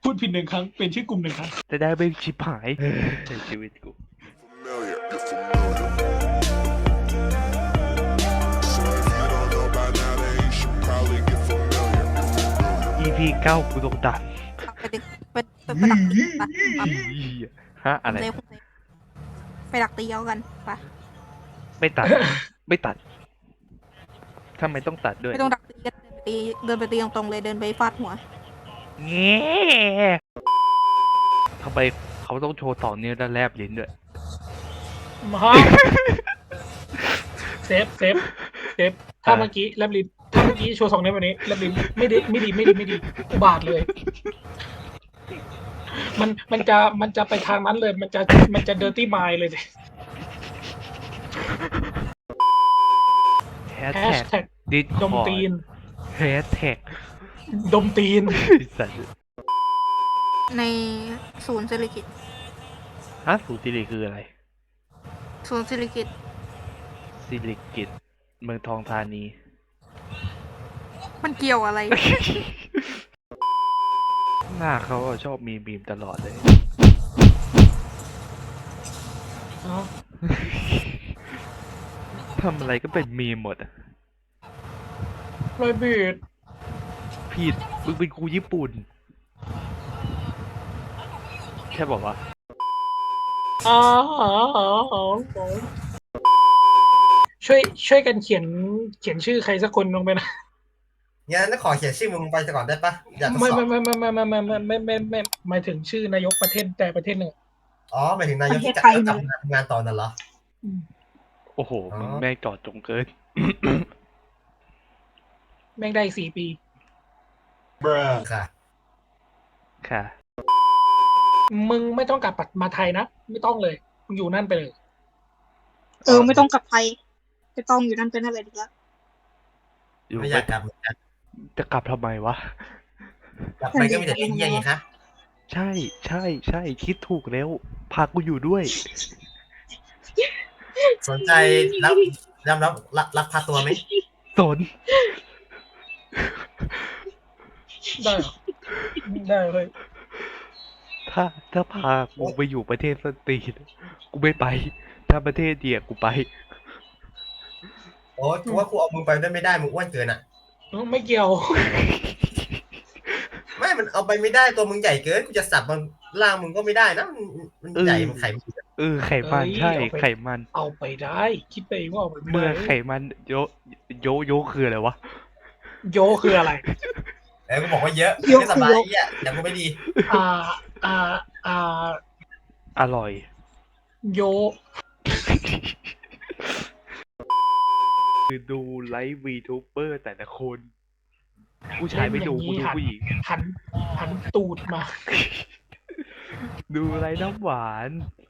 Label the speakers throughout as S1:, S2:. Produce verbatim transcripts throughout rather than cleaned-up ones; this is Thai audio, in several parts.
S1: พูดผิดหนึ่งครั้งเป็นชื่อกลุ่มหนึ่งครั้ง
S2: จะได้ไม่ชิบหายชีวิตกู อี พี เก้ากูต้องตัด
S3: ไปดึกไปไปไปดักตีไป
S2: ฮะอะไร
S3: เซฟไปดักตีเอากันไป
S2: ไม่ตัด ไม่ตัดทำไมต้องตัดด้วย
S3: ไม่ต้องดักตีกันเดินไปตีเดินไปตีตรงๆเลยเดินไปฟาดหัว
S2: เงี้ทำไมเขาต้องโชว์ต่อเนื้อและแลบลิ้นด้วย
S1: มาเซฟเซฟเซฟถ้าเมื่อกี้แลบลิ้นถ้าเมื่อกี้โชว์สองนิ้วแบบนี้แลบลิ้นไม่ดีไม่ดีไม่ดีไม่ดีอุบาทเลย มันมันจะมันจะไปทางนั้นเลย มันจะมันจะเดอร์ตี้มายเลยสิ
S2: แฮช
S1: แฮช
S2: แท็ก
S1: แท็ก
S2: ดิส
S1: ดมตีน
S2: แฮชแท็ก
S1: ดมตีน
S2: สัตว์
S3: ในศูนย์เศรษฐกิจ
S2: ฮะสูติริคืออะไร
S3: ศูนย์เศรษฐกิจ
S2: สิริกิตเมืองทองธานี
S3: มันเกี่ยวอะไร
S2: หน้าเขาอะชอบมีบีมตลอดเลย ทำอะไรก็เป็นมีมหมดอะ
S1: รอยบีด
S2: ผิดมึงเป็นครูญี่ปุ่น แค่บอกว่า
S1: อ๋อช่วยช่วยกันเขียนเขียนชื่อใครสักคนลงไปนะ
S4: งั้นขอเขียนชื่อมึงไปก่อนได้ปะอยากทด
S1: ไม่
S4: สอบ
S1: ไม่ไม่ไม่ไม่ไม่ไม่ไม่ไม่ไม่ไม่หมายถึงชื่อนายกประเทศแต่ประเทศหนึ่ง
S4: อ๋อหมายถึงนายกที่
S3: ประ
S4: ก
S3: เท
S4: ลั
S3: ศ
S4: บ
S3: ไทย
S4: กลับมาทำงานต่อนั่นเหรอ
S2: โอ้โห
S4: อ๋อ
S2: มึงแม่งจอดจงเกิน
S1: แม่งได้อีกสี่ปี
S4: ค่ะ
S2: ค่ะ
S1: มึงไม่ต้องกลับมาไทยนะ ไม่ต้องเลย มึงอยู่นั่นไปเลย
S3: เออไม่ต้องกลับไทยไม่ต้องอยู่นั่นเป็นอะไรดีละ
S2: อยู่
S4: ไม่อ
S2: ไป
S4: ยากกลับเหมือนกัน
S2: จะกลับทำไมวะ
S4: กลับไปก็มีแต่เรื่องเยี่ยงไงคะ
S2: ใช่ใช่ใช่คิดถูกแล้ว พากูอยู่ด้วย
S4: สนใจรับรับรับรับรับพาตัวไหม
S2: สน
S1: ได้เหรอได้เลย
S2: ถ้าถ้าพากูไปอยู่ประเทศสตรีนกูไม่ไป ถ้าประเทศเดียกูไป
S4: โอ้ยกูว่ากูเอามึงไปด้วยไม่ได้มึงอ้วนเกินอ่ะ
S1: ไม่เกี่ยว
S4: ไม่มันเอาไปไม่ได้ตัวมึงใหญ่เกินกูจะสับมันล่างมึงก็ไม่ได้นะมันมันใหญ่มันไขมัน
S2: เออไขมัน
S1: เอ้ย
S2: ใช่
S1: เอาไป
S2: ไขมัน
S1: เอาไปได้ คิดไปเองว่าเอาไปไม่
S2: เมื่อ
S1: ได้
S2: ไขมันโยโยโยคืออะไรวะ
S1: โยคืออะไร
S4: เออกูบอกว่าเยอะ
S3: เยอะ
S4: ไม่สบายไอ่ะอย่างกูไม่ดี
S1: อ่า อ่า อ่า
S2: อร่อย
S1: โย
S2: คือดูไลฟ์วีทูเบอร์แต่ละคน ผู้ชายไม่ดูกูดูผู้หญิง
S1: หัน หันตูดมา
S2: ดูไลฟ์น้ำหวาน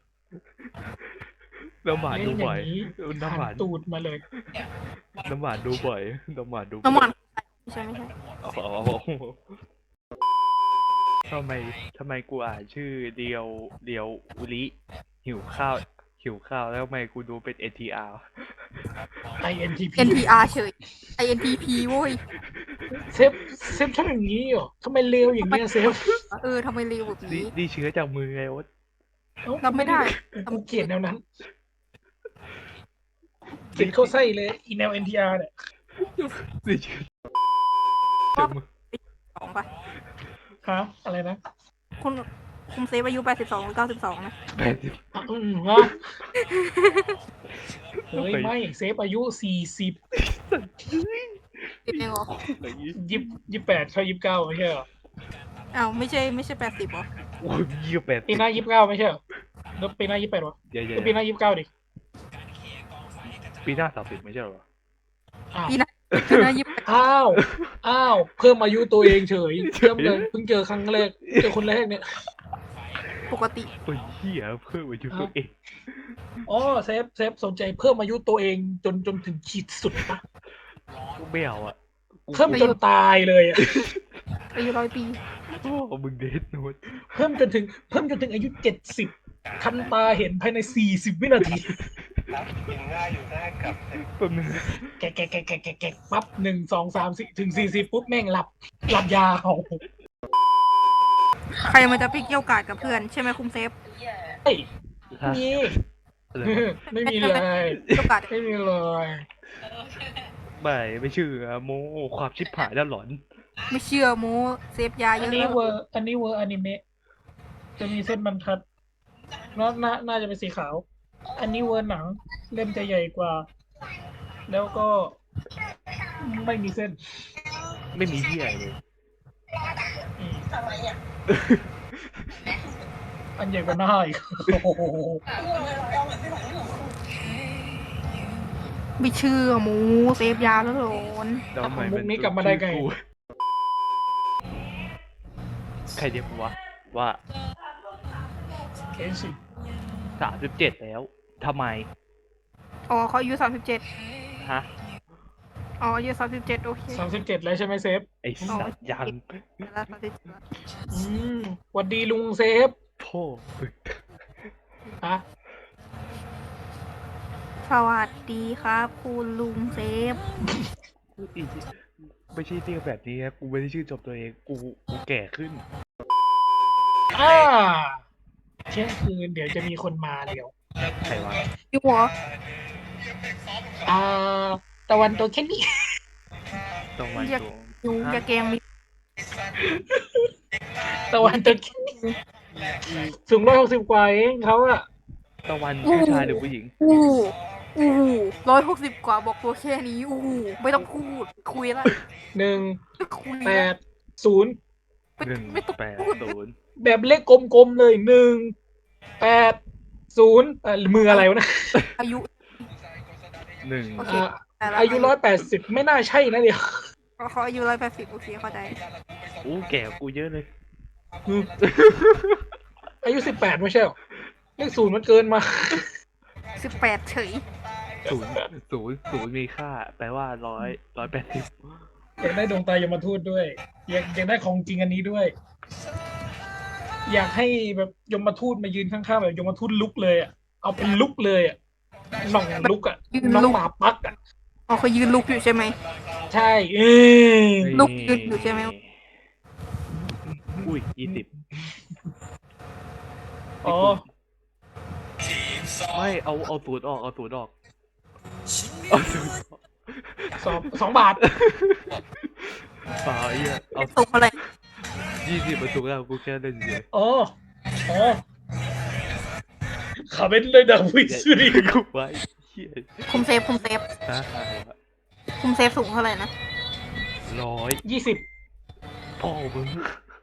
S2: น้ำหวานดูบ่อย น้ำห
S1: หั
S2: วาน
S1: นตูดมาเลย
S2: น้ำหวานดูบ่อย น้ำหวานดูบ่อย
S3: น้ำมันไม่ใช่ไม่ใช่
S2: อ๋อทำไมทำไมกูอ่านชื่อเดียวเดียวอุลิหิวข้าว หิวข้าวแล้วทำไมกูดูเป็น เอ็น ที อาร์
S1: ไอ เอ็น ที พี
S3: เอ็น ที อาร์ เฉย ไอ เอ็น ที พี โว้ย
S1: เซฟ เซฟทำอย่างนี้เหรอทำไมเลวอย่างเงี้ยเซฟ
S3: เออทำไมเร็วแบบ
S2: นี่
S3: นี้
S2: นี่เชื้อจากมือไงโอ๊ต
S3: รับไม่ได้
S1: กูเกลียดแนวนั้นเกลียดเข้าไส้เลยอีแนว เอ็น ที อาร์ เนี่ย
S2: นี่เชื้อจากมือ
S3: สองป่ะ
S1: ฮะอะไรนะ
S3: คุณคุณเซฟอายุแปดสิบสองหรือเก้าสิบสองนะ
S2: แปดสิบ
S1: อ่ะอืมฮะเฮ้ยไม่เซฟอายุสี่สิบ
S3: ติดเองเหรอ
S1: ยี่ยี่แปดเข้ายี่สิบเก้าไม่ใช่เหรอ
S3: อ้าวไม่ใช่ไม่ใช่แปดสิบเหรอ
S2: โอ้ยยี่สิบแปด
S1: ปีหน้ายี่สิบเก้าไม่ใช่เหรอแล้วปีหน้ายี่สิบแปดวะ
S2: เดี๋ยว
S1: ก็ปีหน้ายี่สิบเก้าดิ
S2: ๆปีหน้าสามสิบไม่ใช่เหรอ
S1: อ้าว
S3: ปีหน้าปีหน้ายี่สิบแปด
S1: อ้าวอ้าวเพิ่มอายุตัวเองเฉยเพิ่มเลยเพิ่งเจอครั้งแรกเจอคนแรกเนี่ย
S3: ปกติ
S2: โอ้ยเหี้ยเพิ่มอายุตัวเอง
S1: อ๋อเซฟเซฟสนใจเพิ่มอายุตัวเองจนจนถึงขีดสุดปะ
S2: กูไม่เอาอ่ะกู
S1: เพิ่มจนตายเลยอะ
S3: อายุร้อยปี
S2: โอ้มึงเดทโน้ต
S1: เพิ่มจนถึงเพิ่มจนถึงอายุเจ็ดสิบทันตาเห็นภายในสี่สิบวินาที
S2: แป๊บนึง
S1: แกะแกะแกะแกะแกะแกะปั๊บหนึ่งสองสามสี่ถึงสี่สิบปุ๊บแม่งหลับหลับยาว
S5: ใครมันจะไปเกี่ยวกาดกับเพื่อนใช่ไหมคุมเซฟ
S1: เฮ้ย
S2: ฮะ
S1: มี
S2: อะไรวะ
S1: ไม่มีเลย
S5: เกี่ยวกาด
S1: ไม่มีเลย
S2: ไม่ไม่เชื่อโมความชิบหายแล้วหลอน
S5: ไม่เชื่อโมเซฟยาเย
S1: อัน
S5: อะ
S1: นี้
S5: แล้ว
S1: เวอร์อันนี้เวอร์อนิเมะจะมีเส้นบรรทัดน่าน่าน่าจะเป็นสีขาว อันนี้เวอร์หนังเล่มจะใหญ่กว่า แล้วก็ไม่มีเส้น
S2: ไม่มีที่อะไรเลย
S1: อืมอันใหญ่กว่าหน้าอีก โอ้โห
S5: ไม่เชื่อโมเซฟยาแล้วหลอน
S2: แล้วทำไม
S1: มุ
S2: มั
S1: ก
S2: น
S1: นี้กลับมาได้ไง
S2: ชื่อกูใครเรียกกูวะว่า
S1: เคสิ
S2: สามสิบเจ็ดแล้วทำไม
S5: อ๋อเขาอายุสามสิบเจ็ด
S2: ฮะ
S5: อ๋ออายุสามสิบเจ็ดโอเค
S1: สามสิบเจ็ดแล้วใช่ไหมเซฟ
S2: ไอ้สัตว์ยัง
S5: แล้วสามสิบเจ็ด
S1: อืมหวัดดีลุงเซฟ
S2: พ่อ
S1: อะ
S5: สวัสดีครับ คุณลุงเซฟ
S2: อีไม่ใช่เรียกแบบนี้นะกูไม่ได้ชื่อจบตัวเองกูกูแก่ขึ้น
S1: อ่าเที่ยงคืนเดี๋ยวจะมีคนมาเดี๋ยว
S2: ใครวะ
S5: อยู่หัว
S1: อ่า ตะวันตัวแค่นี้
S2: ต้องมา
S5: อยาก
S2: ตัว
S5: อยู่อย่าแกล้งมี
S1: ตะวันตัวแค่นี้สูงร้อยหกสิบกว่าเองเขาอะ
S2: ตะวันผู้ชายหรือผู้หญิง
S5: อู้อู้ร้อยหกสิบกว่าบอกตัวแค่นี้อู้ไม่ต้องพูดคุยละ
S1: หนึ่ง
S5: คุย
S1: แป
S5: ละ
S1: ดศูนย์
S5: ไม่
S2: หนึ่ง
S5: ไม่ต้อง
S2: แปด
S5: พูด
S2: ศูนย์
S1: แบบเลขกลมๆเลยหนึ่งแปดศูนย์เอ่อมืออะไรวะนะ
S5: อายุ
S2: หนึ่ง
S5: โอเค
S1: อ่า
S5: แต่ละ
S1: อายุร้อยแปดสิบไม่น่าใช่นะเดี๋ยว
S5: เขาอายุร้อยแปดสิบโอเคเข้าใจ
S2: อู้แก่กว่ากูเยอะเลย
S1: อืมอายุสิบแปดไม่ใช่หรอเลขศูนย์มันเกินมา
S5: สิบแปดเฉย
S2: ศูนย์ศูนย์ศูนย์มีค่า แปลว่าร้อยร้อยแปดสิบ
S1: อยากได้ดวงตายมทูตด้วย อยากอยากได้ของจริงอันนี้ด้วย อยากให้แบบยมทูตมายืนข้างๆแบบยมทูตลุกเลยอ่ะ เอาเป็นลุกเลยอ่ะหน่องลุกอ่ะน้องหมาปักอ่ะ
S5: อ๋อเขายืนลุกอยู่ใช่ไหม
S1: ใช่เออ
S5: ลูกยืนอยู่ใช่ไหม
S2: อุ้ยยี่สิบ
S1: อ๋อ
S2: ไม่เอาเอาศูนย์ออกเอาศูนย์ออกเอาศูนย์ออก
S1: สองสองบาท
S2: เปล่าไอ้เหี้ยเอา
S5: ส่งอะไร
S2: ยี่สิบมาถูกแล้วกูแค่เล่นเฉย
S1: อ๋อ อ๋อขาเป็นเลยดาวิสรี
S2: กูไว้เหี้ย
S5: คุมเซฟคุมเซฟ
S2: นะอะไรวะ
S5: คุมเซฟสูงเท่าไหร่นะ
S2: ร้อย
S1: ยี่สิบ
S2: พ่อมึง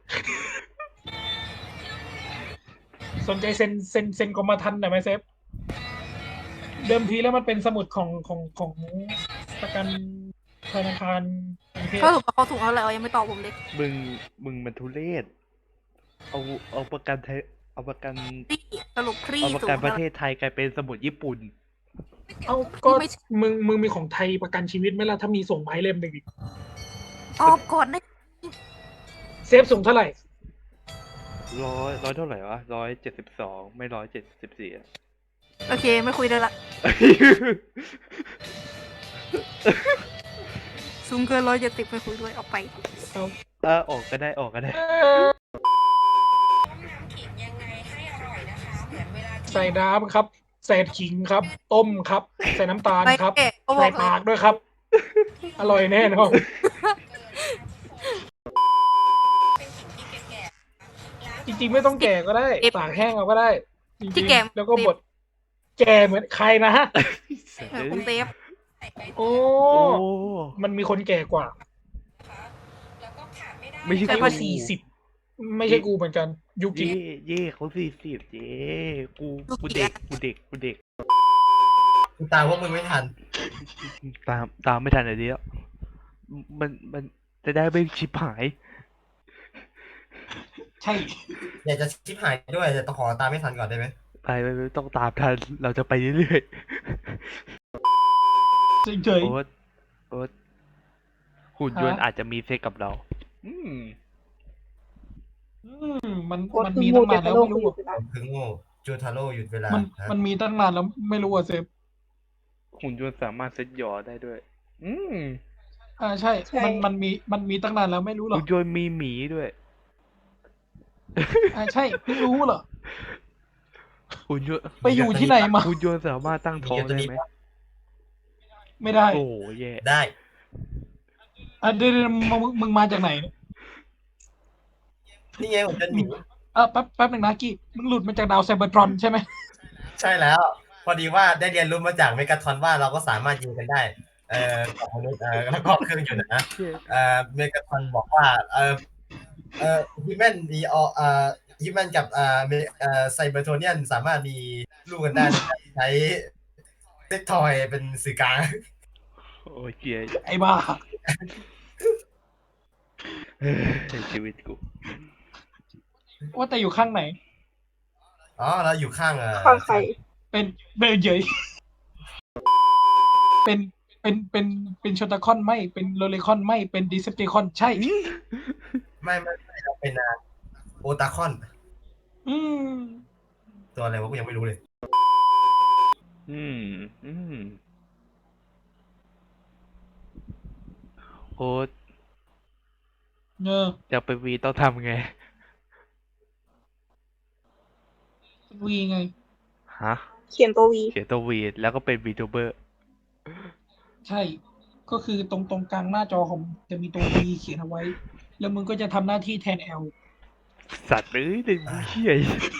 S1: สนใจเซ็นเซ็นเซ็นกรมธรรม์หน่อยไหมเซฟ เดิมทีแล้วมันเป็นสมุดของของของประกันธนาคารกรุงเทพ
S5: เขาสูงเขาสูงเท่าไหร่เอายังไม่ตอบผมเลย
S2: มึงมึงมันทุเรศเอาเอาประกันไทยเอาประกัน
S5: พี่สรุปครี
S2: เอาประ
S5: สูง
S2: กันประ
S5: เท่าไห
S2: เท
S5: ร่
S2: ศไทยกลายเป็นสมุดญี่ปุ่น
S1: เอาก็
S5: ไม่
S1: มึงมึงมีของไทยประกันชีวิตไหมล่ะถ้ามีส่งไม้เล่มหนึ่งอีก
S5: ตอบก่อนได้
S1: เซฟสูงเท่าไหร่
S2: ร้อยร้อยเท่าไหร่วะร้อยเจ็ดสิบสองไม่ร้อยเจ็ดสิบสี่อะ
S5: โอเคไม่คุยเลยละสูงเกินร้อยเจ็ดสิบไม่คุยด้วยออกไป
S1: เอา
S2: เออออกก็ได้ออกก็ได้
S1: เอ่อใส่น้ำครับ ใส่ขิงครับ ต้มครับ ใส่น้ำตาล
S5: ไป
S1: ครับ
S5: เอ๊ะเขาบ
S1: ใส่
S5: อกเล
S1: ปาย กด้วยครับ อร่อยแน่นอนจริงๆไม่ต้องแก่ก็ได้ตากแห้งเอาก็ได้จริงๆแล้วก็บดแก่เหมือนใครนะฮะ
S5: เออคุมเซฟ
S1: โอ้
S2: โอ้
S1: มันมีคนแก่กว่า
S2: ไม่ใช่
S1: ใช่
S2: กู
S1: ว่าสี่สิบไม่ใช่กูเหมือนกัน ยุกิ
S2: เย่เย่เขาสี่สิบเย่กูกูเด็กกูเด็กกูเด็ก
S4: กูตามพวกมึงไม่ทัน
S2: ตามตามไม่ทันเลยเดียวมันมันจะได้ไม่ชิบหาย
S1: ใช่
S4: อยากจะชิบหายด้วยแต่ต้องขอตามไม่ทันก่อนได้ไหม
S2: ไปไปไปต้องตามทันเราจะไปเรื่อย
S1: เฉ
S2: ๆ
S1: ย
S2: โอ๊ตโอ๊ตหุ่นยนต์
S1: ฮะ
S2: อาจจะมีเซ็กกับเรา อืม
S1: ๆอืมมันมันมีตั้งนานแล้วไม่รู้อะ
S4: ผมคือโง่จูทาโร่หยุดเวลา
S1: มัน
S4: ฮะ
S1: มันมีตั้งนานแล้วไม่รู้อ่ะเซฟ
S2: หุ่นยนต์สามารถเซ็ตหยอได้ด้วย อืม
S1: อ่าใช่ มันมันมีมันมีตั้งนานแล้วไม่รู้หรอ
S2: หุ่
S1: ก
S2: นยนต์มีหมีด้วย
S1: อ่าใช่เพิ่งรู้เหรอ
S2: หุ่นยนต์
S1: ไปอยู่ที่ไหนมา
S2: หุ่นยนต์สามารถตั้งท้องได้ไหม
S1: ไม่ได้
S2: โอ้แย่
S4: ได้
S1: อ่ะเดี๋ยวเดี๋ยวมึงมึงมาจากไหนเนี่ย
S4: นี่ไงผมจะหนี
S1: เออแป๊บแป๊บหนึ่งนะกี้มึงหลุดมาจากดาวไซเบอร์ทรอนใช่ไหม
S4: ใช่แล้ว พอดีว่าได้เรียนรู้มาจากเมกาทรอนว่าเราก็สามารถยิงกันได้ เอ่อกับมนุษย์เอ่อแล้วก็เครื่องยนต์นะ
S2: เชี่ย
S4: เอ่อเมกาทรอนบอกว่าเอ่อเอ่อฮิแมนมีอเอ่อฮิแมนกับเอ่อเมเอ่อไซเบอร์โทเนียนสามารถมีลูกกันได้โดยการใช้เซ็กทอยเป็นสื่อกลาง
S2: โอ้ยเจีย
S1: ไอ้บ้า
S2: เฮ้ยชีวิตกู
S1: ว่าแต่อยู่ข้างไหน
S4: อ๋อเราอยู่ข้างเอ่อ
S3: ข้างใคร
S1: เป็นเบลเยยเป็นเป็นเป็นเป็นโชตาคอนไม่เป็นโลเลคอนไม่เป็นดิเซปติคอนใช่
S4: ไม่ไม่ไม่เราเป็นอ่าโอตาคอน
S1: อืม
S4: ตัวอะไรวะกูยังไม่รู้เลย
S2: อืมอืมโอ้ย
S1: เออ
S2: จะไปวีต้องทำไง
S1: วีไง
S2: ฮะ
S3: เขียนตัววี
S2: เขียนตัววีแล้วก็เป็นวีทูเบอร์
S1: ใช่ ก็คือตรงตรงกลางหน้าจอของจะมีตัว V เขียนเอาไว้ แล้วมึงก็จะทำหน้าที่แทน L
S2: สัตว์เอ้ยเด็กบูเชี่ย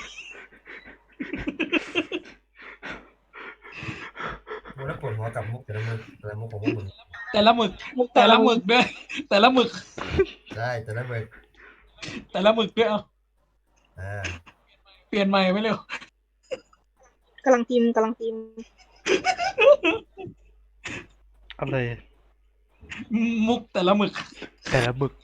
S4: กูแล้วปวดหัวกับมุกแต่ละมุกแต่ละมุกของพวกมึง
S1: แต่ละหมึก
S3: มุก
S1: แต่ละหมึกด้วย แต่ละหมึก
S4: ใช่แต่ละมึก
S1: แต่ละหมึกด้วยเอา
S4: อ่า
S1: เปลี่ยนใหม่ไม่เร็ว
S3: กำลังพิมพ์กำลังพิมพ์
S2: อะไร
S1: มุกแต่ละหมึก
S2: แต่ละหมึก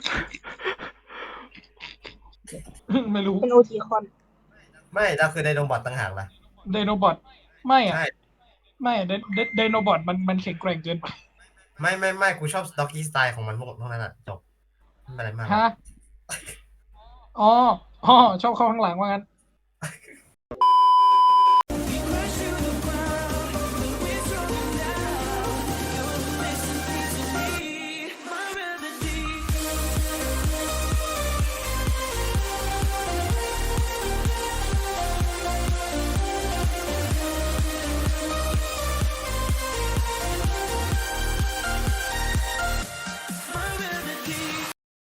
S1: ไม่รู้
S3: เป็นโอทีคอน
S4: ไม่เราคือไดโนบอทต่างหากล่ะ
S1: ไดโนบอทไม่อะ
S4: ใช่
S1: ไม่ไดไดไดโนบอทมันมันแข็งแกร่งเกินไป
S4: ไม่ไม่ไม่กูชอบสต็อกกี้สไตล์ของมันพวกพวกนั้นอ่ะจบไม่เป็นไรมาก
S1: ฮะอ๋ออ๋อชอบเข้าข้างหลังว่างั้น